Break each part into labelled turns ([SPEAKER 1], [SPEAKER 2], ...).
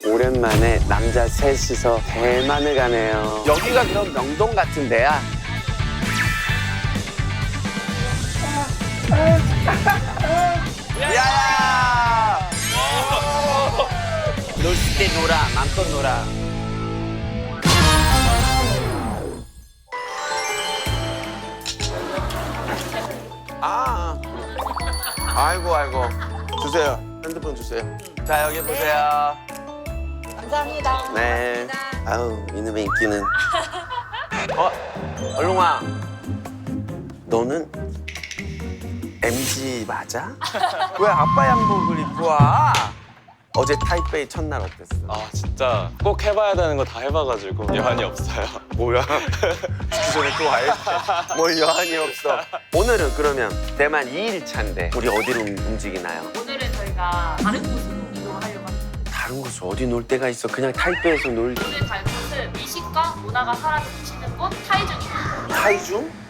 [SPEAKER 1] 오랜만에 남자 셋이서 대만을 가네요. 여기가 그럼 명동 같은 데야? 야! 놀 때 놀아, 맘껏 놀아. 아이고. 주세요. 핸드폰 주세요. 자, 여기 보세요.
[SPEAKER 2] 감사합니다.
[SPEAKER 1] 네. 아우, 이놈의 인기는. 얼룽아. 너는 MG 맞아? 왜 아빠 양복을 입고 와? 어제 타이베이 첫날 어땠어?
[SPEAKER 3] 아 진짜 꼭 해봐야 되는 거 다 해봐가지고 여한이 없어요.
[SPEAKER 1] 뭐야? 죽기 전에 또 와야지. 뭘 여한이 없어. 오늘은 그러면 대만 2일차인데 우리 어디로 움직이나요?
[SPEAKER 2] 오늘은 저희가 다른 곳으로 이동하려고 합니다.
[SPEAKER 1] 다른 곳에 어디 놀 데가 있어? 그냥 타이베이에서 놀
[SPEAKER 2] 오늘 갈 곳은 미식과 문화가 사라지는 곳 타이중입니다.
[SPEAKER 1] 타이중?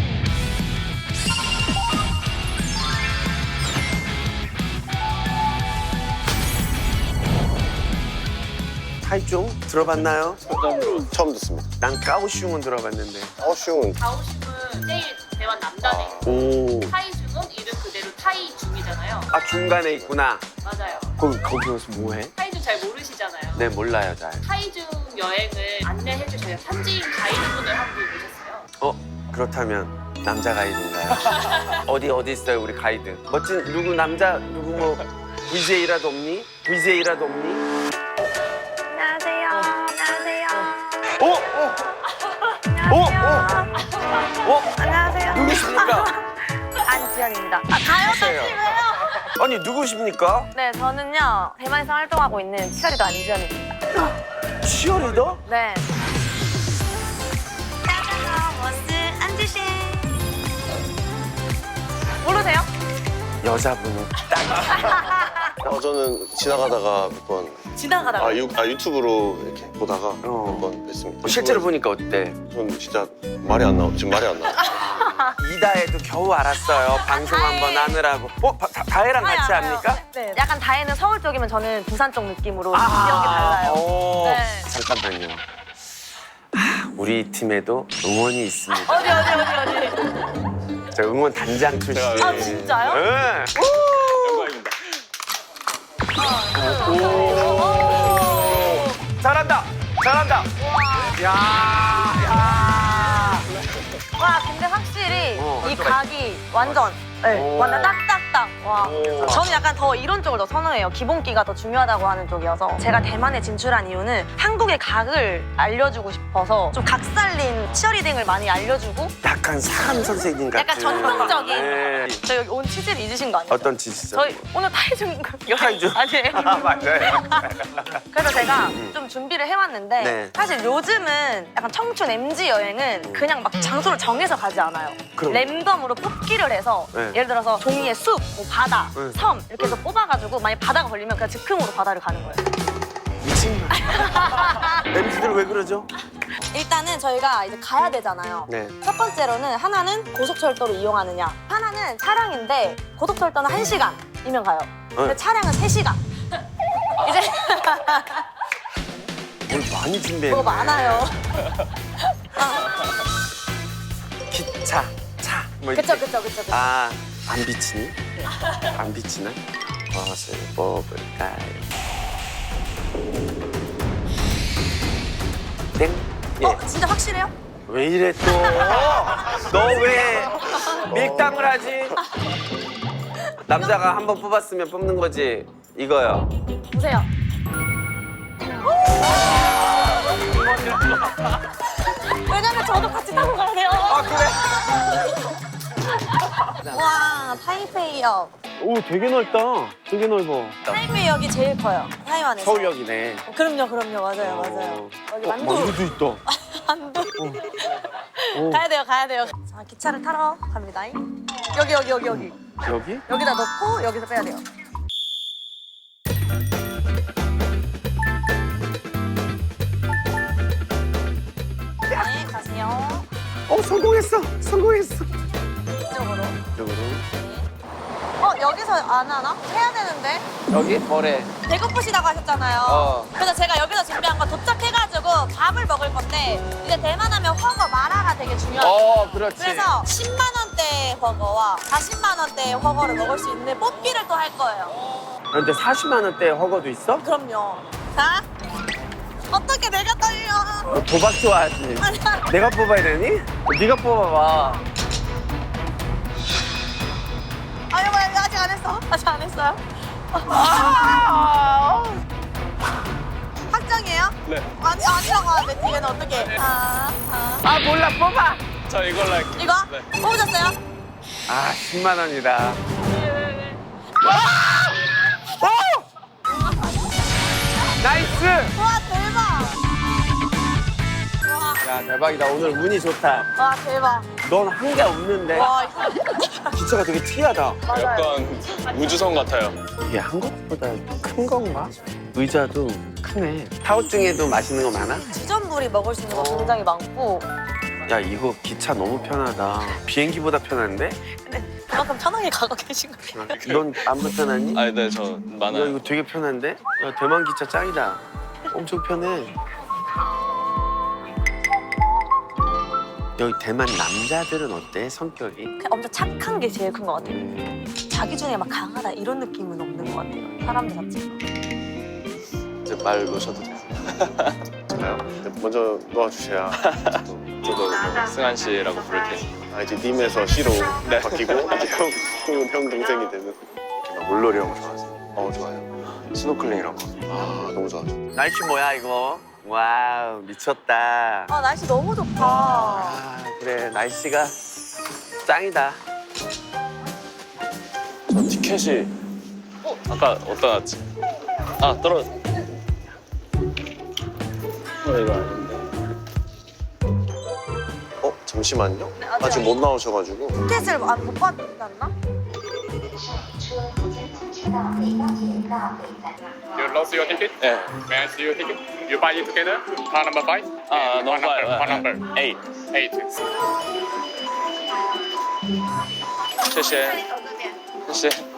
[SPEAKER 1] 타이중 들어봤나요?
[SPEAKER 4] 처음 듣습니다.
[SPEAKER 1] 난 까오슝은 들어봤는데.
[SPEAKER 4] 어슝은
[SPEAKER 2] 가오슝은 제일 대만 남단에 있고
[SPEAKER 1] 오.
[SPEAKER 2] 타이중은 이름 그대로 타이중이잖아요.
[SPEAKER 1] 아 중간에 있구나.
[SPEAKER 2] 맞아요.
[SPEAKER 1] 거기 가서 뭐해?
[SPEAKER 2] 타이중 잘 모르시잖아요.
[SPEAKER 1] 네 몰라요 잘.
[SPEAKER 2] 타이중 여행을 안내해줄 저희가 현지인 가이드분을 한 분 모셨어요.
[SPEAKER 1] 그렇다면 남자 가이드인가요? 어디 있어요 우리 가이드? 멋진 누구 남자 누구 뭐 VJ라도 없니? VJ라도 없니?
[SPEAKER 5] 안녕하세요. 안녕하세요. 안녕하세요.
[SPEAKER 1] 누구십니까?
[SPEAKER 5] 안지연입니다. 가요
[SPEAKER 1] 하세요.
[SPEAKER 5] 다시고요.
[SPEAKER 1] 아니 누구십니까?
[SPEAKER 5] 네, 저는요 대만에서 활동하고 있는 치어리더 안지연입니다.
[SPEAKER 1] 치어리더?
[SPEAKER 5] 네. 안녕하세요. 원스 안지신. 모르세요?
[SPEAKER 1] 여자분은 딱.
[SPEAKER 4] 저는 지나가다가 몇 번
[SPEAKER 5] 지나가다가.
[SPEAKER 4] 유튜브로 이렇게 보다가
[SPEAKER 1] 어.
[SPEAKER 4] 몇 번 뵀습니다.
[SPEAKER 1] 실제로 보니까 어때?
[SPEAKER 4] 전 진짜 말이 안 나와. 지금 말이 안 나와.
[SPEAKER 1] 이다혜도 겨우 알았어요. 방송 한번 하느라고. 다혜랑 같이
[SPEAKER 5] 알아요.
[SPEAKER 1] 합니까?
[SPEAKER 5] 네. 약간 다혜는 서울 쪽이면 저는 부산 쪽 느낌으로 기억이 달라요.
[SPEAKER 1] 오.
[SPEAKER 5] 네.
[SPEAKER 1] 잠깐만요. 우리 팀에도 응원이 있습니다.
[SPEAKER 5] 어디.
[SPEAKER 1] 저 응원 단장 출신.
[SPEAKER 5] 아, 진짜요?
[SPEAKER 1] 네.
[SPEAKER 3] 영광입니다.
[SPEAKER 1] 잘한다. 야.
[SPEAKER 5] 와, 근데 확실히 이
[SPEAKER 1] 또
[SPEAKER 5] 각이 완전 완전 딱딱딱. 와.
[SPEAKER 1] 오.
[SPEAKER 5] 저는 약간 더 이런 쪽을 더 선호해요. 기본기가 더 중요하다고 하는 쪽이어서. 제가 대만에 진출한 이유는 한국의 각을 알려주고 싶어서 좀 각살린 치어리딩을 많이 알려주고
[SPEAKER 1] 약간 사람 선생님 같은.
[SPEAKER 5] 약간 전통적인.
[SPEAKER 1] 네.
[SPEAKER 5] 저 여기 온 취지를 잊으신 거 아니에요?
[SPEAKER 1] 어떤 짓이죠?
[SPEAKER 5] 저희 오늘 타이중 여행
[SPEAKER 1] 타이중.
[SPEAKER 5] 아니에요?
[SPEAKER 1] 아, 맞아요.
[SPEAKER 5] 그래서 제가 좀 준비를 해왔는데
[SPEAKER 1] 네.
[SPEAKER 5] 사실 요즘은 약간 청춘 MG 여행은 그냥 막 장소를 정해서 가지 않아요.
[SPEAKER 1] 그럼.
[SPEAKER 5] 랜덤으로 뽑기를 해서
[SPEAKER 1] 네.
[SPEAKER 5] 예를 들어서 종이에 숲, 뭐 바다,
[SPEAKER 1] 네.
[SPEAKER 5] 섬 이렇게 해서 뽑아가지고 만약 바다가 걸리면 그냥 즉흥으로 바다를 가는 거예요.
[SPEAKER 1] 미친 거. MZ들 왜 그러죠?
[SPEAKER 5] 일단은 저희가 이제 가야 되잖아요.
[SPEAKER 1] 네.
[SPEAKER 5] 첫 번째로는 하나는 고속철도를 이용하느냐, 하나는 차량인데 고속철도는 1시간이면 가요. 근데 차량은 3시간. 이제
[SPEAKER 1] 뭘 많이 준비했네.
[SPEAKER 5] 뭐가 많아요.
[SPEAKER 1] 기차, 차. 뭐 이렇게.
[SPEAKER 5] 그쵸.
[SPEAKER 1] 아, 안 비치니? 안 비치나? 무엇을 뽑을까요? 땡? 예.
[SPEAKER 5] 진짜 확실해요?
[SPEAKER 1] 왜 이래 또? 너 왜 밀당을 하지? 남자가 한 번 뽑았으면 뽑는 거지. 이거요.
[SPEAKER 5] 보세요. 왜냐면 저도 같이 타고 가야 돼요.
[SPEAKER 1] 아, 그래?
[SPEAKER 5] 와, 타이페이역.
[SPEAKER 1] 오, 되게 넓다. 되게 넓어.
[SPEAKER 5] 타이페이역이 제일 커요. 타이완에서.
[SPEAKER 1] 서울역이네.
[SPEAKER 5] 그럼요. 맞아요. 여기 만두.
[SPEAKER 1] 만두도 있다.
[SPEAKER 5] 만두. 가야 돼요. 자, 기차를 타러 갑니다. 여기.
[SPEAKER 1] 여기?
[SPEAKER 5] 여기다 넣고 여기서 빼야 돼요. 네, 가세요.
[SPEAKER 1] 성공했어.
[SPEAKER 5] 이쪽으로.
[SPEAKER 1] 이쪽으로.
[SPEAKER 5] 여기서 안 하나? 해야 되는데.
[SPEAKER 1] 여기 뭐래?
[SPEAKER 5] 배고프시다고 하셨잖아요. 그래서 제가 여기서 준비한 거 도착해가지고 밥을 먹을 건데 이제 대만하면 허거 마라가 되게 중요해요.
[SPEAKER 1] 그렇지.
[SPEAKER 5] 그래서 10만 원대 허거와 40만 원대 허거를 먹을 수 있는 뽑기를 또 할 거예요.
[SPEAKER 1] 그런데 40만 원대 허거도 있어?
[SPEAKER 5] 그럼요. 자, 어떻게 내가 떨려?
[SPEAKER 1] 너 도박 좋아하지? 내가 뽑아야 되니? 네가 뽑아봐.
[SPEAKER 5] 아니, 뭐 아직 안 했어? 아직 안 했어요? 확정이에요?
[SPEAKER 3] 네.
[SPEAKER 5] 아니, 아니라고 하는데 뒤에는 어떻게?
[SPEAKER 1] 아 몰라 뽑아.
[SPEAKER 3] 저 이걸로 할게요.
[SPEAKER 5] 이거?
[SPEAKER 3] 네.
[SPEAKER 5] 뽑으셨어요?
[SPEAKER 1] 아 10만 원이다. 나이스.
[SPEAKER 5] 와, 대박!
[SPEAKER 1] 야 대박이다. 오늘 운이 좋다.
[SPEAKER 5] 와, 대박.
[SPEAKER 1] 넌 한 게 없는데.
[SPEAKER 5] 와,
[SPEAKER 1] 기차가 되게 특이하다.
[SPEAKER 5] 맞아요.
[SPEAKER 3] 약간 우주선 같아요.
[SPEAKER 1] 이게 한국보다 큰 건가? 의자도 크네. 타워 중에도 맛있는 거 많아?
[SPEAKER 5] 지전물이 먹을 수 있는 거 굉장히 많고
[SPEAKER 1] 야 이거 기차 너무 편하다. 비행기보다 편한데?
[SPEAKER 5] 근데 그만큼 편하게 가고 계신 거예요.
[SPEAKER 1] 넌 안 불편하니?
[SPEAKER 3] 아, 네, 저
[SPEAKER 1] 야
[SPEAKER 3] 많아요.
[SPEAKER 1] 이거 되게 편한데? 야 대만 기차 짱이다. 엄청 편해. 여기 대만 남자들은 어때? 성격이?
[SPEAKER 5] 그냥 엄청 착한 게 제일 큰 것 같아요. 자기 중에 막 강하다 이런 느낌은 없는 것 같아요. 사람들 자체가.
[SPEAKER 3] 이제 말 놓으셔도 돼요.
[SPEAKER 4] 저요? 먼저 놓아주셔야 저도
[SPEAKER 3] 승한 씨라고 부를 테니.
[SPEAKER 4] 이제 님에서 씨로
[SPEAKER 3] 네.
[SPEAKER 4] 바뀌고 이제 형 동생이 되는 이렇게 막 물놀이 형 좋아하세요? 좋아요. 스노클링이라고. 너무 좋아하죠.
[SPEAKER 1] 날씨 뭐야 이거? 와우 미쳤다.
[SPEAKER 5] 아, 날씨 너무 좋다.
[SPEAKER 1] 아 그래 날씨가 짱이다.
[SPEAKER 3] 저 티켓이 아까 어디다 놨지? 아, 떨어졌어. 이거 아닌데.
[SPEAKER 4] 잠시만요. 아직 못 나오셔가지고.
[SPEAKER 5] 티켓을 못 받았나?
[SPEAKER 6] You lost your ticket?
[SPEAKER 3] 네.
[SPEAKER 6] May I see your ticket? You buy it together? Car number 5?
[SPEAKER 3] 아,
[SPEAKER 6] One number.
[SPEAKER 3] 넘어가요.
[SPEAKER 6] One number.
[SPEAKER 3] 8.
[SPEAKER 6] 8.
[SPEAKER 3] 谢谢.谢谢.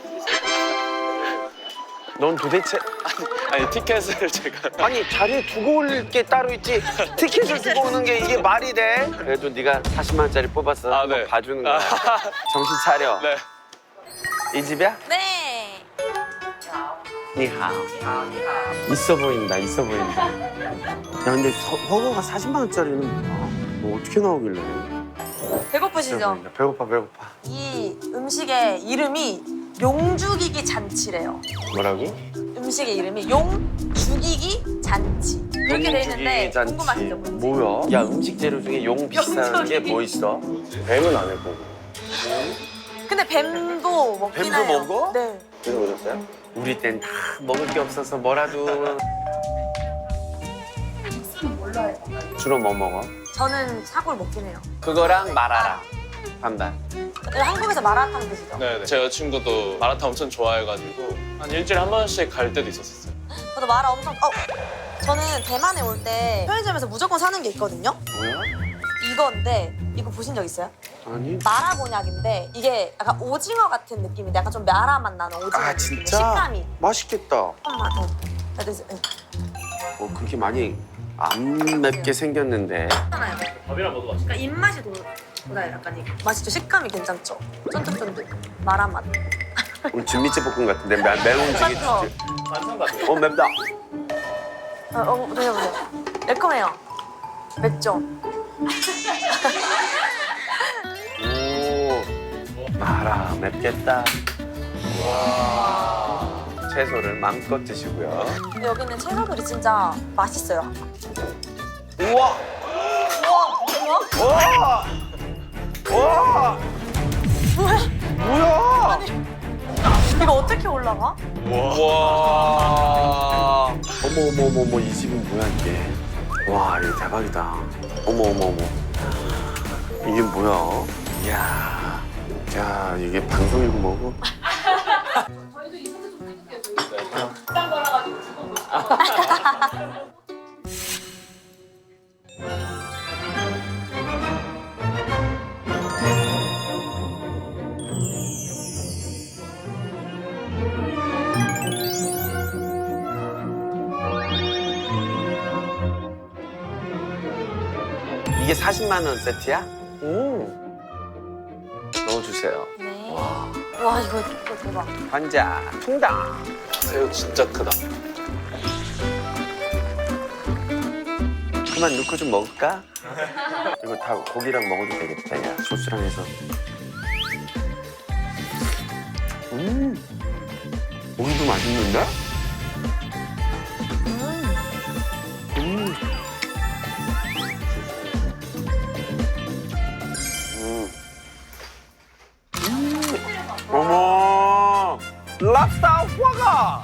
[SPEAKER 1] 넌 도대체
[SPEAKER 3] 아니, 티켓을 제가.
[SPEAKER 1] 아니 자리에 두고 올 게 따로 있지 티켓을 두고 오는 게 이게 말이 돼? 그래도 네가 40만 원짜리 뽑았어.
[SPEAKER 3] 아,
[SPEAKER 1] 한번
[SPEAKER 3] 네.
[SPEAKER 1] 봐주는 거야. 정신 차려.
[SPEAKER 3] 네.
[SPEAKER 1] 이 집이야?
[SPEAKER 5] 네.
[SPEAKER 1] 니하오. 있어 보인다. 있어 보인다. 야 근데 허거가 40만 원짜리는 뭐 어떻게 나오길래? 있어
[SPEAKER 5] 배고프시죠?
[SPEAKER 1] 보인다. 배고파 배고파.
[SPEAKER 5] 이 음식의 이름이 용죽이기 잔치래요.
[SPEAKER 1] 뭐라고?
[SPEAKER 5] 음식의 이름이 용죽이기 잔치. 그렇게 돼 있는데
[SPEAKER 1] 용죽이 잔치.
[SPEAKER 5] 궁금하시죠? 뭔지?
[SPEAKER 1] 뭐야? 야 음식 재료 중에 용 비싼 게 뭐 있어?
[SPEAKER 4] 뱀은 안 해보고.
[SPEAKER 5] 근데 뱀도 먹긴
[SPEAKER 1] 뱀도
[SPEAKER 5] 해요.
[SPEAKER 1] 먹어?
[SPEAKER 5] 네.
[SPEAKER 4] 드셔보셨어요?
[SPEAKER 1] 우리 땐 다 먹을 게 없어서 뭐라도. 주로 뭐 먹어?
[SPEAKER 5] 저는 사골 먹긴 해요.
[SPEAKER 1] 그거랑 마라랑 반반.
[SPEAKER 5] 한국에서 마라탕 드시죠?
[SPEAKER 3] 네. 제 여자친구도 마라탕 엄청 좋아해가지고 한 일주일에 한 번씩 갈 때도 있었어요.
[SPEAKER 5] 저도 마라 엄청. 저는 대만에 올 때 편의점에서 무조건 사는 게 있거든요.
[SPEAKER 1] 뭐야?
[SPEAKER 5] 이건데 이거 보신 적 있어요?
[SPEAKER 1] 아니.
[SPEAKER 5] 마라 곤약인데 이게 약간 오징어 같은 느낌인데 약간 좀 마라 맛 나는 오징어
[SPEAKER 1] 아
[SPEAKER 5] 느낌의
[SPEAKER 1] 진짜?
[SPEAKER 5] 식감이.
[SPEAKER 1] 맛있겠다.
[SPEAKER 5] 한번 더. 그래서
[SPEAKER 1] 그렇게 많이 안 맵게 생겼는데.
[SPEAKER 5] 괜찮아요. 밥이랑 먹어봤어. 그러니까 입맛이 돌아요. 약간 이게. 맛있죠? 식감이 괜찮죠? 쫀득쫀득. 마라 맛.
[SPEAKER 1] 우리 진미채 볶음 같은데 매운 음식이
[SPEAKER 5] 맞죠?
[SPEAKER 1] 진짜. 맵다.
[SPEAKER 5] 드셔보세요. 매콤해요. 맵죠?
[SPEAKER 1] 오. 마라 맵겠다. 와. 채소를 마음껏 드시고요.
[SPEAKER 5] 근데 여기는 채소들이 진짜 맛있어요.
[SPEAKER 1] 우와.
[SPEAKER 5] 우와!
[SPEAKER 1] 우와. 우와. 뭐야?
[SPEAKER 5] 이거 어떻게 올라가?
[SPEAKER 1] 와. 어머 이 집은 뭐야 이게? 와 이거 대박이다. 어머. 이게 뭐야? 이야. 야 이게 방송이고 뭐고?
[SPEAKER 2] 저희도 이 소개 좀 해줄게요. 저희 비싼 거라 가지고 주고
[SPEAKER 1] 이게 40만 원 세트야? 넣어주세요.
[SPEAKER 5] 네. 와 이거 대박.
[SPEAKER 1] 환자 통당.
[SPEAKER 3] 새우 진짜 크다.
[SPEAKER 1] 그만 넣고 좀 먹을까? 이거 다 고기랑 먹어도 되겠다. 야 소스랑 해서. 고기도 맛있는데? 어머, 랍스터 화가.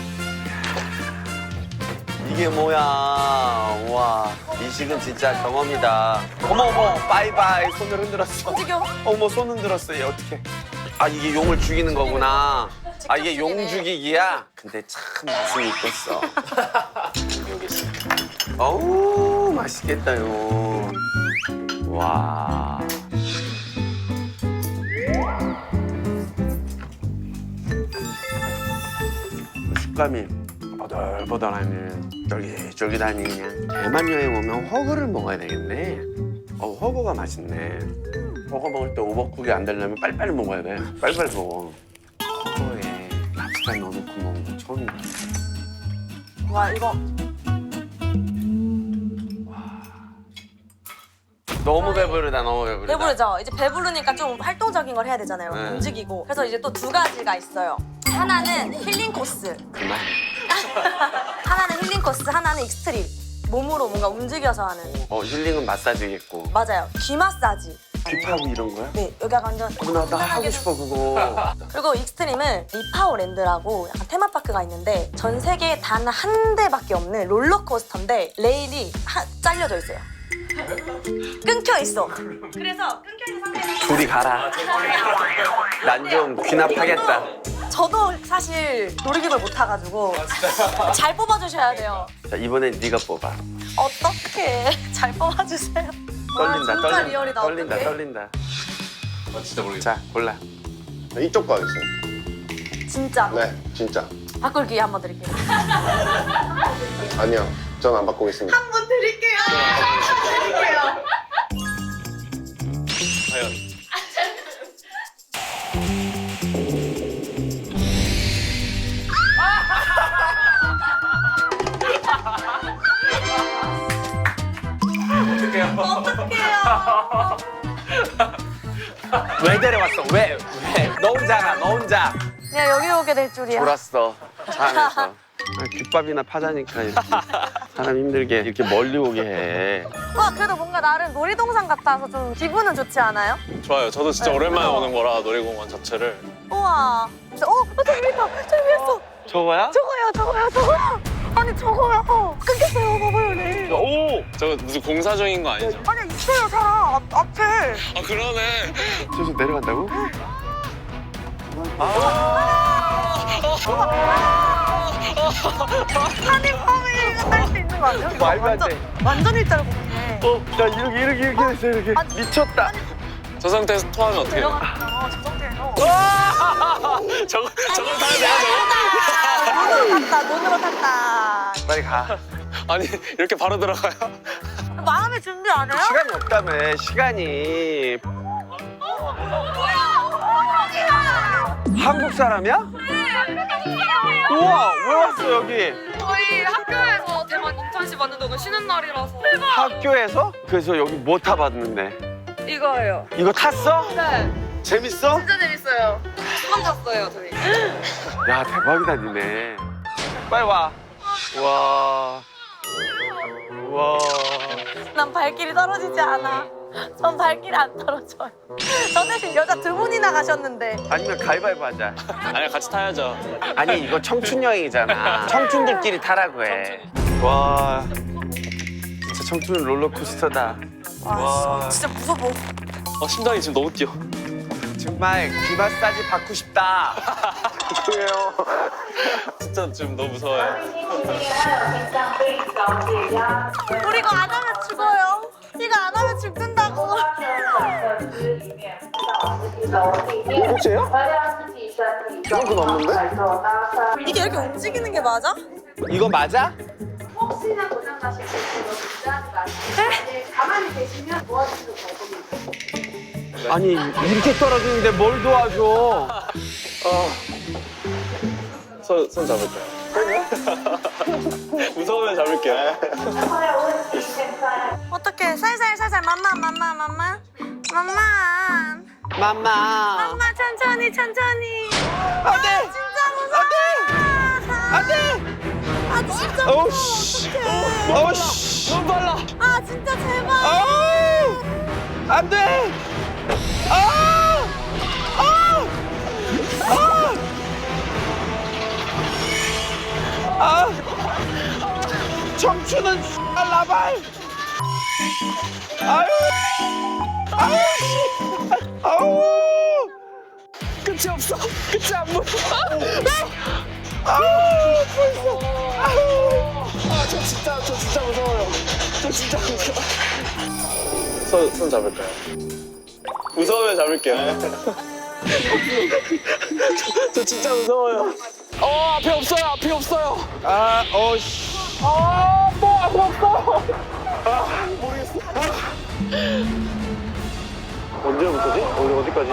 [SPEAKER 1] 이게 뭐야? 와, 미식은 진짜 경험이다. 어머, 바이바이. 손을 흔들었어.
[SPEAKER 5] 움직여.
[SPEAKER 1] 어머, 손 흔들었어. 얘 어떻게? 아, 이게 용을 죽이는 거구나. 아, 이게 용 죽이기야? 근데 참 맛은 있겠어.
[SPEAKER 3] 여기 있어.
[SPEAKER 1] 어우, 맛있겠다요. 와. 식감이 버들버들하니 쫄깃쫄깃하니 그냥 대만 여행 오면 허거를 먹어야 되겠네. 허거가 맛있네. 허거 먹을 때 오버쿡이 안 되려면 빨리빨리 먹어야 돼. 빨리빨리 먹어. 허거에 랍스터 넣어놓고 먹는 거 처음이야.
[SPEAKER 5] 와 이거
[SPEAKER 1] 너무 배부르다, 너무 배부르다.
[SPEAKER 5] 배부르죠? 이제 배부르니까 좀 활동적인 걸 해야 되잖아요.
[SPEAKER 1] 네.
[SPEAKER 5] 움직이고. 그래서 이제 또 두 가지가 있어요. 하나는 힐링 코스.
[SPEAKER 1] 그만.
[SPEAKER 5] 하나는 힐링 코스, 하나는 익스트림. 몸으로 뭔가 움직여서 하는.
[SPEAKER 1] 힐링은 마사지겠고.
[SPEAKER 5] 맞아요. 귀 마사지.
[SPEAKER 1] 귀 파고 이런 거야?
[SPEAKER 5] 네, 여기가 완전.
[SPEAKER 1] 나 하고 싶어, 그거.
[SPEAKER 5] 그리고 익스트림은 리파오랜드라고 약간 테마파크가 있는데 전 세계에 단 한 대밖에 없는 롤러코스터인데 레일이 잘려져 있어요. 끊겨 있어. 그래서 끊겨 있는 상태에서
[SPEAKER 1] 둘이 가라. 난 좀 귀납하겠다.
[SPEAKER 5] 저도 사실 놀이기구를 못 타가지고 잘 뽑아주셔야 돼요.
[SPEAKER 1] 자, 이번엔 네가 뽑아.
[SPEAKER 5] 어떡해. 잘 뽑아주세요. 와,
[SPEAKER 1] 떨린다,
[SPEAKER 5] 진짜
[SPEAKER 1] 떨린다.
[SPEAKER 5] 리얼이다.
[SPEAKER 1] 떨린다,
[SPEAKER 5] 어떡해.
[SPEAKER 1] 떨린다.
[SPEAKER 3] 아 진짜 모르겠어.
[SPEAKER 1] 자, 골라.
[SPEAKER 4] 이쪽 거 하겠어요.
[SPEAKER 5] 진짜.
[SPEAKER 4] 네, 진짜.
[SPEAKER 5] 바꿀 기회 한번 드릴게요.
[SPEAKER 4] 아니요, 전 안 바꾸겠습니다.
[SPEAKER 5] 한번 드릴게요. 드릴게요.
[SPEAKER 3] 과연.
[SPEAKER 5] 어떡해요.
[SPEAKER 1] 왜 데려왔어? 왜? 너 혼자 가, 너 혼자.
[SPEAKER 5] 그냥 여기 오게 될 줄이야.
[SPEAKER 1] 졸았어. 차 안에서. 귓밥이나 파자니까 이렇게 사람 힘들게 이렇게 멀리 오게 해.
[SPEAKER 5] 와, 그래도 뭔가 나름 놀이동산 같아서 좀 기분은 좋지 않아요?
[SPEAKER 3] 좋아요. 저도 진짜
[SPEAKER 5] 네,
[SPEAKER 3] 오랜만에
[SPEAKER 5] 그래서-
[SPEAKER 3] 오는 거라 놀이공원 자체를.
[SPEAKER 5] 우와. 진짜, 저기 있다. 저기 있어.
[SPEAKER 1] 저거야?
[SPEAKER 5] 저거요. 아니, 저거요. 끊겼어요. 봐봐요, 네.
[SPEAKER 1] 오!
[SPEAKER 3] 저거 무슨 공사 중인 거 아니죠?
[SPEAKER 5] 아니, 있어요, 사람. 앞에.
[SPEAKER 3] 아 그러네.
[SPEAKER 1] 저기서 내려간다고?
[SPEAKER 5] 한입함이 할수 있는 거 아니야?
[SPEAKER 1] 말도 안 돼.
[SPEAKER 5] 완전 일자로 보이네.
[SPEAKER 1] 야, 이렇게 됐어, 이렇게.
[SPEAKER 5] 아니,
[SPEAKER 1] 미쳤다.
[SPEAKER 3] 저 상태에서 토하면 어떻게 돼요?
[SPEAKER 5] 내려갔잖아, 저 상태에서.
[SPEAKER 3] 저거 타야 돼요,
[SPEAKER 5] 눈으로 탔다, 눈으로 탔다.
[SPEAKER 1] 빨리 가.
[SPEAKER 3] 저거? 아니 이렇게 바로 들어가요?
[SPEAKER 5] 마음의 준비 안 해요?
[SPEAKER 1] 시간이 없다며, 시간이. 한국 사람이야? 우와, 왜 왔어, 여기?
[SPEAKER 2] 저희 학교에서 대만 인턴십 받는 동안 쉬는 날이라서
[SPEAKER 1] 학교에서? 그래서 여기 뭐 타봤는데?
[SPEAKER 2] 이거예요.
[SPEAKER 1] 이거 탔어?
[SPEAKER 2] 네,
[SPEAKER 1] 재밌어?
[SPEAKER 2] 진짜 재밌어요. 처음 탔어요, 저희.
[SPEAKER 1] 야, 대박이다, 니네. 빨리 와. 와. 와.
[SPEAKER 5] 난 발길이 떨어지지 않아. 전 발길이 안 떨어져요. 저 대신 여자 두 분이나 가셨는데.
[SPEAKER 1] 아니면 가위바위보 하자.
[SPEAKER 3] 아니 같이 타야죠.
[SPEAKER 1] 아니, 이거 청춘 여행이잖아. 청춘들끼리 타라고 해. 와. 진짜 청춘 롤러코스터다. 와.
[SPEAKER 5] 진짜 무서워.
[SPEAKER 3] 심장이 지금 너무 뛰어.
[SPEAKER 1] 정말 귀 마사지 받고 싶다. 죄송해요.
[SPEAKER 3] 진짜 지금 너무 무서워요.
[SPEAKER 5] 우리 이거 안 하면 죽어요. 이거 안 하면 죽는다고.
[SPEAKER 4] 혹시요? 이만큼 없는데?
[SPEAKER 5] 이게 이렇게 움직이는 게 맞아?
[SPEAKER 1] 이거 맞아?
[SPEAKER 2] 혹시나 고장 나실 때 그거 걱정하지 마시고 가만히 계시면 도와주셔도 될 겁니다.
[SPEAKER 1] 아니 이렇게 떨어지는데 뭘 도와줘?
[SPEAKER 3] 손 잡을까요? 무서우면 잡을게요.
[SPEAKER 5] 어떡해. 살살 맘만.
[SPEAKER 1] 맘마.
[SPEAKER 5] 천천히.
[SPEAKER 1] 안돼.
[SPEAKER 5] 진짜 무서워.
[SPEAKER 1] 안돼.
[SPEAKER 5] 아 진짜 무서워.
[SPEAKER 1] 어우씨.
[SPEAKER 5] 어떡해.
[SPEAKER 1] 어우씨. 너무 빨라.
[SPEAKER 5] 아 진짜 제발.
[SPEAKER 1] 안돼. 청춘은 라발. 아유. 끝이 없어. 끝이 안 보여. 벌써. 저 진짜 무서워요. 저 진짜 무서워.
[SPEAKER 3] 손 잡을까요? 무서우면 잡을게요. 저 진짜 무서워요. 앞에 없어요.
[SPEAKER 1] 씨.
[SPEAKER 3] 앞에 없어.
[SPEAKER 4] 언제부터지? 어디까지?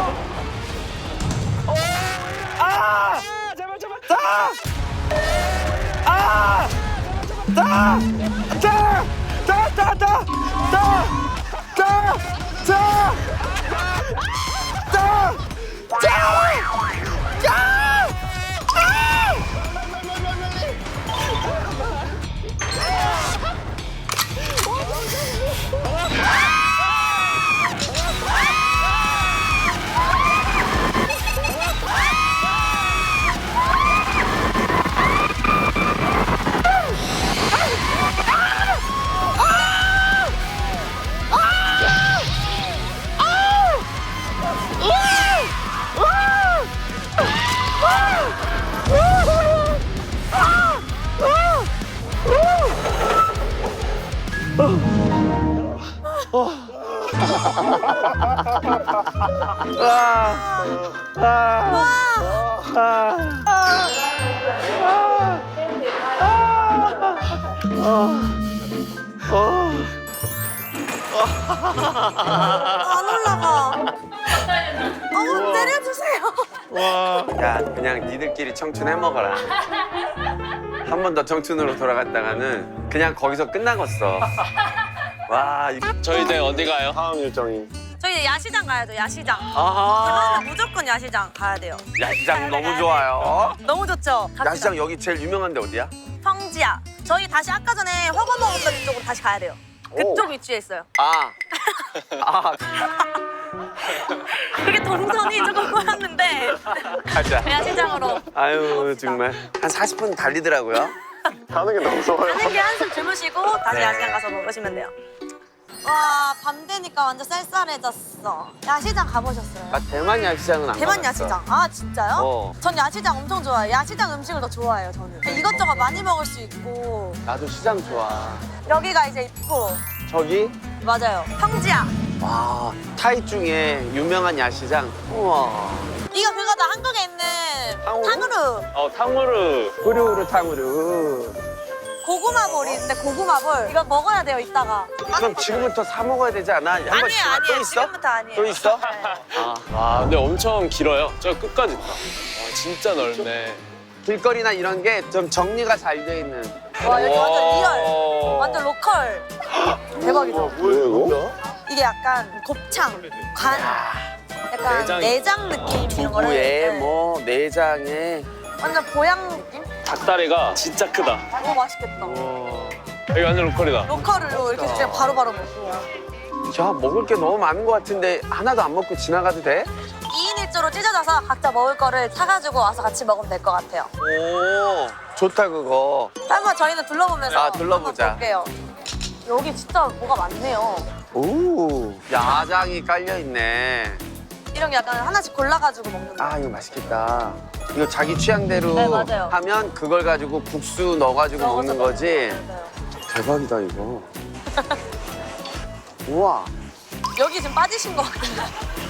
[SPEAKER 5] 안 올라가. 내려주세요.
[SPEAKER 1] 야, 그냥 니들끼리 청춘 해먹어라. 한 번 더 청춘으로 돌아갔다가는 그냥 거기서 끝나겠어. 와,
[SPEAKER 3] 저 이제 어디 가요?
[SPEAKER 4] 다음 일정이
[SPEAKER 5] 저희 이제 야시장 가야죠. 야시장.
[SPEAKER 1] 아하.
[SPEAKER 5] 대만은 무조건 야시장 가야 돼요.
[SPEAKER 1] 야시장 너무 좋아요.
[SPEAKER 5] 너무 좋죠. 갑시다.
[SPEAKER 1] 야시장 여기 제일 유명한 데 어디야?
[SPEAKER 5] 평지야. 저희 다시 아까 전에 허거 먹었던 쪽으로 다시 가야 돼요. 그쪽 위치에 있어요. 그게 동선이 조금 꼬였는데
[SPEAKER 1] 가자.
[SPEAKER 5] 야시장으로
[SPEAKER 1] 아유, 정말 한 40분 달리더라고요.
[SPEAKER 4] 가는 게 너무 무서워요.
[SPEAKER 5] 가는 게 한숨 주무시고 다시
[SPEAKER 1] 네.
[SPEAKER 5] 야시장 가서 먹으시면 돼요. 와, 밤 되니까 완전 쌀쌀해졌어. 야시장 가보셨어요?
[SPEAKER 1] 대만 야시장은 안
[SPEAKER 5] 대만
[SPEAKER 1] 가봤어.
[SPEAKER 5] 야시장. 아, 진짜요?
[SPEAKER 1] 어.
[SPEAKER 5] 전 야시장 엄청 좋아해요. 야시장 음식을 더 좋아해요, 저는. 이것저것 많이 먹을 수 있고.
[SPEAKER 1] 나도 시장 좋아.
[SPEAKER 5] 여기가 이제 있고.
[SPEAKER 1] 저기?
[SPEAKER 5] 맞아요. 평지야.
[SPEAKER 1] 와, 타이 중에 유명한 야시장. 우와.
[SPEAKER 5] 이거 그거다. 한국에 있는
[SPEAKER 1] 탕후루?
[SPEAKER 5] 탕후루.
[SPEAKER 3] 탕후루.
[SPEAKER 1] 후루후루 탕후루.
[SPEAKER 5] 고구마볼이 있는데 고구마볼. 이거 먹어야 돼요, 이따가.
[SPEAKER 1] 그럼 지금부터 사 먹어야 되지 않아? 한번
[SPEAKER 5] 아니에요,
[SPEAKER 1] 지금 또
[SPEAKER 5] 아니에요.
[SPEAKER 1] 있어?
[SPEAKER 5] 지금부터 아니에요.
[SPEAKER 1] 또 있어?
[SPEAKER 5] 네.
[SPEAKER 3] 와, 근데 엄청 길어요. 저 끝까지 다. 와, 진짜 넓네.
[SPEAKER 1] 길거리나 이런 게 좀 정리가 잘 돼 있는.
[SPEAKER 5] 와, 여기 완전
[SPEAKER 3] 와.
[SPEAKER 5] 리얼. 완전 로컬. 대박이죠?
[SPEAKER 4] 뭐예요 이거?
[SPEAKER 5] 이게 약간 곱창, 간, 약간
[SPEAKER 3] 내장.
[SPEAKER 5] 내장 느낌 이런 거를.
[SPEAKER 1] 두부에
[SPEAKER 5] 네.
[SPEAKER 1] 뭐 내장에.
[SPEAKER 5] 완전 보양 느낌?
[SPEAKER 3] 닭다리가 진짜 크다.
[SPEAKER 5] 너무 맛있겠다.
[SPEAKER 3] 여기 완전 로컬이다.
[SPEAKER 5] 로컬로 이렇게 진짜 바로바로 먹고.
[SPEAKER 1] 야, 먹을 게 너무 많은 것 같은데 하나도 안 먹고 지나가도 돼?
[SPEAKER 5] 2인 1조로 찢어져서 각자 먹을 거를 사가지고 와서 같이 먹으면 될 것 같아요.
[SPEAKER 1] 오, 좋다 그거.
[SPEAKER 5] 한번 저희는 둘러보면서
[SPEAKER 1] 둘러보자.
[SPEAKER 5] 한번 볼게요. 여기 진짜 뭐가 많네요.
[SPEAKER 1] 오, 야장이 깔려 있네.
[SPEAKER 5] 이런 게 약간 하나씩 골라가지고 먹는 거.
[SPEAKER 1] 아, 이거 맛있겠다. 이거 자기 취향대로
[SPEAKER 5] 네, 맞아요.
[SPEAKER 1] 하면 그걸 가지고 국수 넣어가지고 먹는 거지.
[SPEAKER 5] 맞아요.
[SPEAKER 1] 대박이다 이거. 우와,
[SPEAKER 5] 여기 지금 빠지신 것 같은데.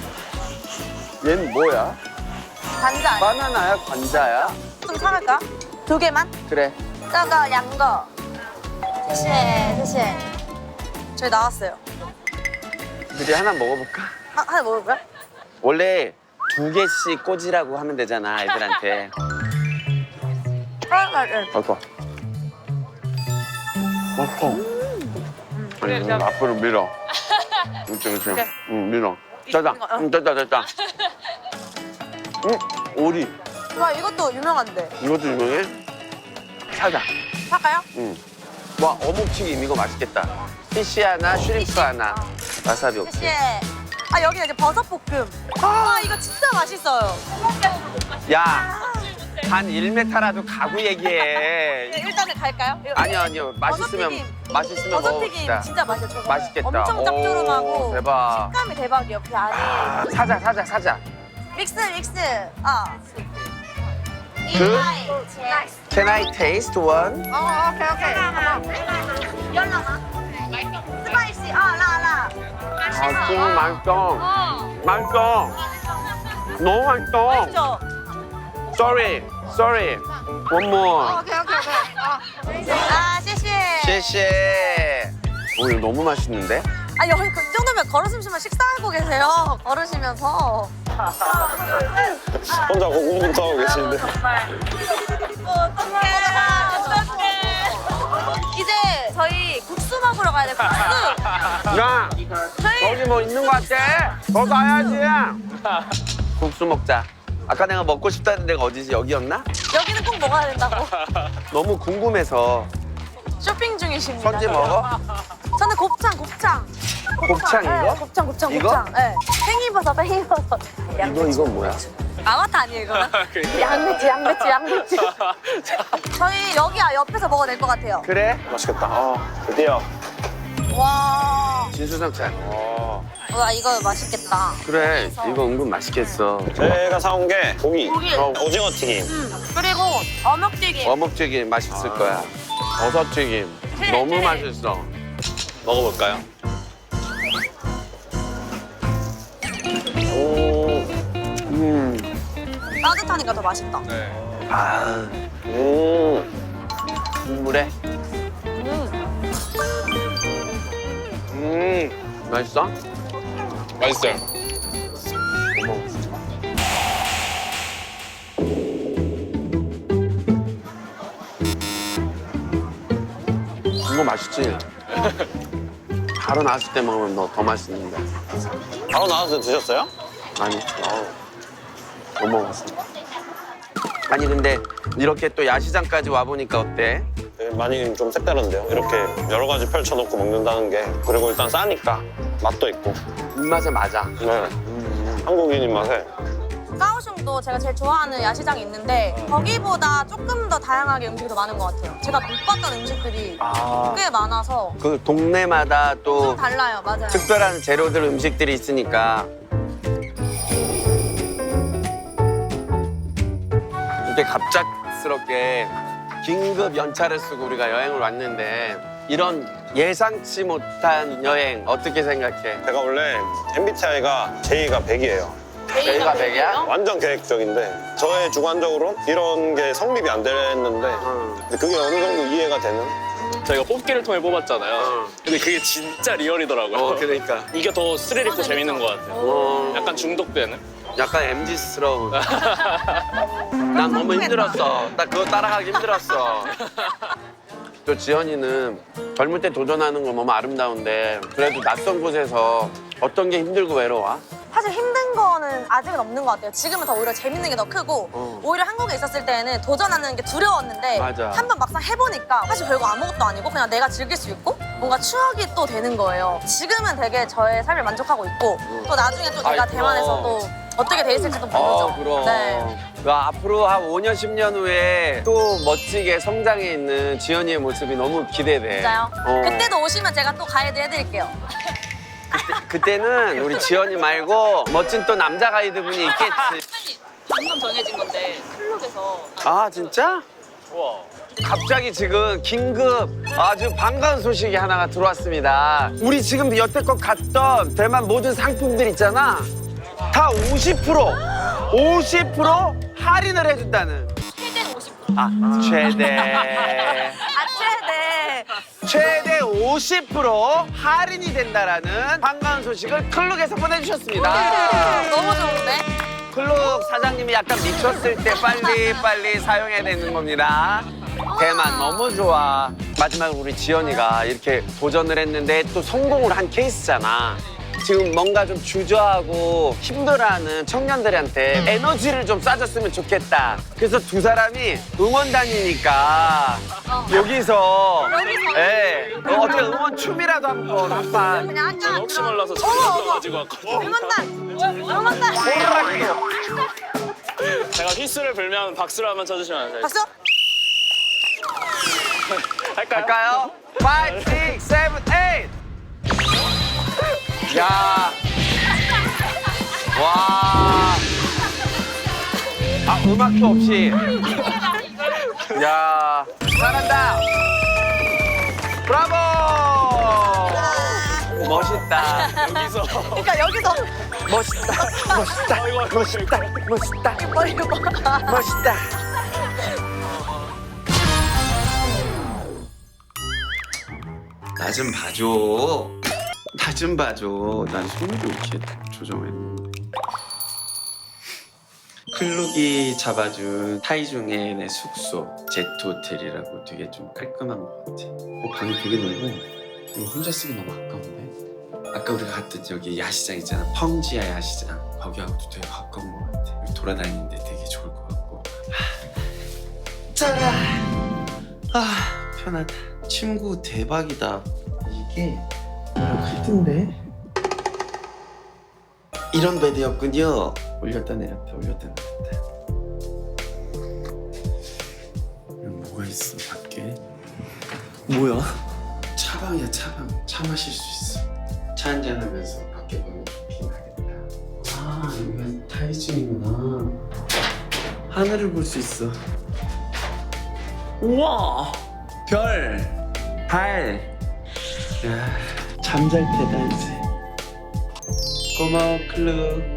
[SPEAKER 1] 얘는 뭐야?
[SPEAKER 5] 관자 아니야?
[SPEAKER 1] 바나나야, 관자야?
[SPEAKER 5] 좀 사갈까? 2개만?
[SPEAKER 1] 그래.
[SPEAKER 5] 저거 양거. 谢谢. 저희 나왔어요.
[SPEAKER 1] 우리 하나 먹어볼까?
[SPEAKER 5] 하나 먹을까요?
[SPEAKER 1] 원래 2개씩 꽂으라고 하면 되잖아, 애들한테. 아이고. 앞으로 밀어. 그렇지. 응, 밀어. 짜자. 짜자. 오리.
[SPEAKER 5] 와, 이것도 유명한데.
[SPEAKER 1] 이것도 유명해? 사자.
[SPEAKER 5] 살까요?
[SPEAKER 1] 응. 와, 어묵튀김 이거 맛있겠다. 피쉬 하나, 슈림프 하나. 와사비 없지.
[SPEAKER 5] 씨. 아, 여기는 이제 버섯볶음. 아, 이거 진짜 맛있어요.
[SPEAKER 1] 야, 한 1m라도 가구 얘기해.
[SPEAKER 5] 네, 일단은 갈까요?
[SPEAKER 1] 아니요. 맛있으면
[SPEAKER 5] 버섯튀김
[SPEAKER 1] 먹어봅시다.
[SPEAKER 5] 진짜 맛있어요. 저거.
[SPEAKER 1] 맛있겠다.
[SPEAKER 5] 엄청 짭조름하고
[SPEAKER 1] 오, 대박.
[SPEAKER 5] 식감이 대박이에요. 그 안에
[SPEAKER 1] 사자.
[SPEAKER 5] 믹스.
[SPEAKER 1] Can I taste one?
[SPEAKER 5] 오케이. 연락아. 스파이시. 라.
[SPEAKER 1] 아, 정말 맛있어. 너무 맛있어.
[SPEAKER 5] 맛있죠?
[SPEAKER 1] Sorry. One more.
[SPEAKER 5] 오케이.
[SPEAKER 1] 谢谢. 오, 이거 너무 맛있는데?
[SPEAKER 5] 아, 여기 그 정도면 걸으시면 식사하고 계세요. 걸으시면서.
[SPEAKER 4] 혼자 고군분투 하고 계시는데.
[SPEAKER 5] 어떡해. 이제 저희 국수 먹으러 가야 돼, 국수.
[SPEAKER 1] 야, 여기 뭐 있는 거 같아? 더 가야지. 국수 먹자. 아까 내가 먹고 싶다는 데가 어디지? 여기였나?
[SPEAKER 5] 여기는 꼭 먹어야 된다고.
[SPEAKER 1] 너무 궁금해서.
[SPEAKER 5] 쇼핑 중이십니다.
[SPEAKER 1] 선지 먹어?
[SPEAKER 5] 저는 곱창.
[SPEAKER 1] 곱창 이거?
[SPEAKER 5] 네, 곱창.
[SPEAKER 1] 이거?
[SPEAKER 5] 네. 팽이버섯.
[SPEAKER 1] 이거 뭐야?
[SPEAKER 5] 아바타 아니에요, 이거는? 양배추. 저희 여기 옆에서 먹어도 될 것 같아요.
[SPEAKER 1] 그래?
[SPEAKER 4] 맛있겠다. 드디어.
[SPEAKER 5] 와.
[SPEAKER 1] 진수성찬.
[SPEAKER 5] 와, 이거 맛있겠다.
[SPEAKER 1] 그래, 이거 은근 맛있겠어.
[SPEAKER 4] 제가 사온 게 고기.
[SPEAKER 5] 고기.
[SPEAKER 4] 오징어 튀김.
[SPEAKER 5] 그리고 어묵튀김.
[SPEAKER 1] 어묵튀김 맛있을 거야. 버섯튀김 너무 맛있어.
[SPEAKER 3] 먹어볼까요?
[SPEAKER 5] 따뜻하니까 더 맛있다.
[SPEAKER 3] 네.
[SPEAKER 1] 아, 국물에. 맛있어?
[SPEAKER 3] 맛있어요.
[SPEAKER 1] 이거 맛있지? 바로 나왔을 때 먹으면 더 맛있는데.
[SPEAKER 4] 바로 나와서 드셨어요?
[SPEAKER 1] 아니, 못 먹었어. 아니 근데 이렇게 또 야시장까지 와보니까 어때?
[SPEAKER 4] 네, 많이 좀 색다른데요. 이렇게 여러 가지 펼쳐놓고 먹는다는 게. 그리고 일단 싸니까 맛도 있고.
[SPEAKER 1] 입맛에 맞아.
[SPEAKER 4] 네. 한국인 입맛에.
[SPEAKER 5] 까오슝도 제가 제일 좋아하는 야시장이 있는데 거기보다 조금 더 다양하게 음식이 더 많은 것 같아요. 제가 못 봤던 음식들이 꽤 많아서
[SPEAKER 1] 그 동네마다 또
[SPEAKER 5] 좀 달라요. 맞아요.
[SPEAKER 1] 특별한 재료들 음식들이 있으니까 이렇게 갑작스럽게 긴급 연차를 쓰고 우리가 여행을 왔는데 이런 예상치 못한 여행 어떻게 생각해?
[SPEAKER 4] 제가 원래 MBTI가 J가 100이에요.
[SPEAKER 1] J가 100이야?
[SPEAKER 4] 완전 계획적인데 저의 주관적으로 이런 게 성립이 안 됐는데 근데 그게 어느 정도 이해가 되는?
[SPEAKER 3] 저희가 뽑기를 통해 뽑았잖아요. 근데 그게 진짜 리얼이더라고요.
[SPEAKER 1] 그러니까
[SPEAKER 3] 이게 더 스릴 있고 재밌는 것 같아요. 약간 중독되는?
[SPEAKER 1] 약간 MZ스러운. 난 너무 힘들었어. 나 그거 따라가기 힘들었어. 또 지연이는 젊을 때 도전하는 건 너무 아름다운데 그래도 낯선 곳에서 어떤 게 힘들고 외로워?
[SPEAKER 5] 사실 힘든 거는 아직은 없는 것 같아요. 지금은 더 오히려 재밌는 게 더 크고 오히려 한국에 있었을 때는 도전하는 게 두려웠는데
[SPEAKER 1] 맞아.
[SPEAKER 5] 한번 막상 해보니까 사실 별거 아무것도 아니고 그냥 내가 즐길 수 있고 뭔가 추억이 또 되는 거예요. 지금은 되게 저의 삶을 만족하고 있고 또 나중에 또 내가
[SPEAKER 1] 아이,
[SPEAKER 5] 대만에서
[SPEAKER 1] 그럼.
[SPEAKER 5] 또 어떻게 돼 있을지도 모르죠.
[SPEAKER 1] 그럼.
[SPEAKER 5] 네.
[SPEAKER 1] 야, 앞으로 한 5년, 10년 후에 또 멋지게 성장해 있는 지연이의 모습이 너무 기대돼.
[SPEAKER 5] 진짜요?
[SPEAKER 1] 어.
[SPEAKER 5] 그때도 오시면 제가 또 가이드 해드릴게요.
[SPEAKER 1] 그때는 우리 지연이 말고 멋진 또 남자 가이드분이 있겠지.
[SPEAKER 2] 방금 정해진 건데 클럽에서
[SPEAKER 1] 아, 진짜?
[SPEAKER 3] 우와.
[SPEAKER 1] 갑자기 지금 긴급 아주 반가운 소식이 하나가 들어왔습니다. 우리 지금 여태껏 갔던 대만 모든 상품들 있잖아. 다 50% 할인을 해준다는.
[SPEAKER 2] 최대 50%.
[SPEAKER 1] 아, 최대.
[SPEAKER 5] 아, 최대.
[SPEAKER 1] 최대 50% 할인이 된다라는 반가운 소식을 클룩에서 보내주셨습니다.
[SPEAKER 5] 너무 좋은데?
[SPEAKER 1] 클룩 사장님이 약간 미쳤을 때 빨리 사용해야 되는 겁니다. 대만 너무 좋아. 마지막으로 우리 지연이가 이렇게 도전을 했는데 또 성공을 한 케이스잖아. 지금 뭔가 좀 주저하고 힘들어하는 청년들한테 에너지를 좀 쏴줬으면 좋겠다. 그래서 두 사람이 응원단이니까 여기서 예, 어떻게 응원 춤이라도 한판.
[SPEAKER 5] 그냥 아까
[SPEAKER 3] 혹시 몰라서 저거 가지고 왔거든요.
[SPEAKER 5] 응원단!
[SPEAKER 3] 제가 휘스를 불면 박수를 한번 쳐주시면 안 돼요?
[SPEAKER 5] 박수!
[SPEAKER 3] 할까요?
[SPEAKER 1] 할까요? 5, 6, 7, 8. 야. 와. 아, 음악도 없이. 야. 잘한다. 브라보. 멋있다.
[SPEAKER 3] 여기서
[SPEAKER 5] 그러니까 여기서
[SPEAKER 1] 멋있다. 멋있다.
[SPEAKER 5] 머리 봐.
[SPEAKER 1] 멋있다. 나 좀 봐줘. 나 좀 봐줘. 난 손으로 이렇게 조정했는데. 클룩이 잡아준 타이중의 내 숙소 제트 호텔이라고 되게 좀 깔끔한 것 같아. 방이 되게 넓고 이거 혼자 쓰기 너무 아까운데. 아까 우리가 갔던 저기 야시장 있잖아. 펑지아 야시장. 거기하고도 되게 가까운 것 같아. 여기 돌아다니는데 되게 좋을 것 같고. 짜라. 편하다. 침구 대박이다. 이게 크던데? 이런 베드였군요. 올렸다 내렸다 올렸다 내렸다. 여기 뭐가 있어 밖에? 뭐야? 차방이야 차방. 차 마실 수 있어. 차 한잔하면서 밖에 보면 좋긴 하겠다. 아 여기가 타이중이구나. 하늘을 볼 수 있어. 우와 별 달. 야 잠잘 테다 이제. 고마워 클룩.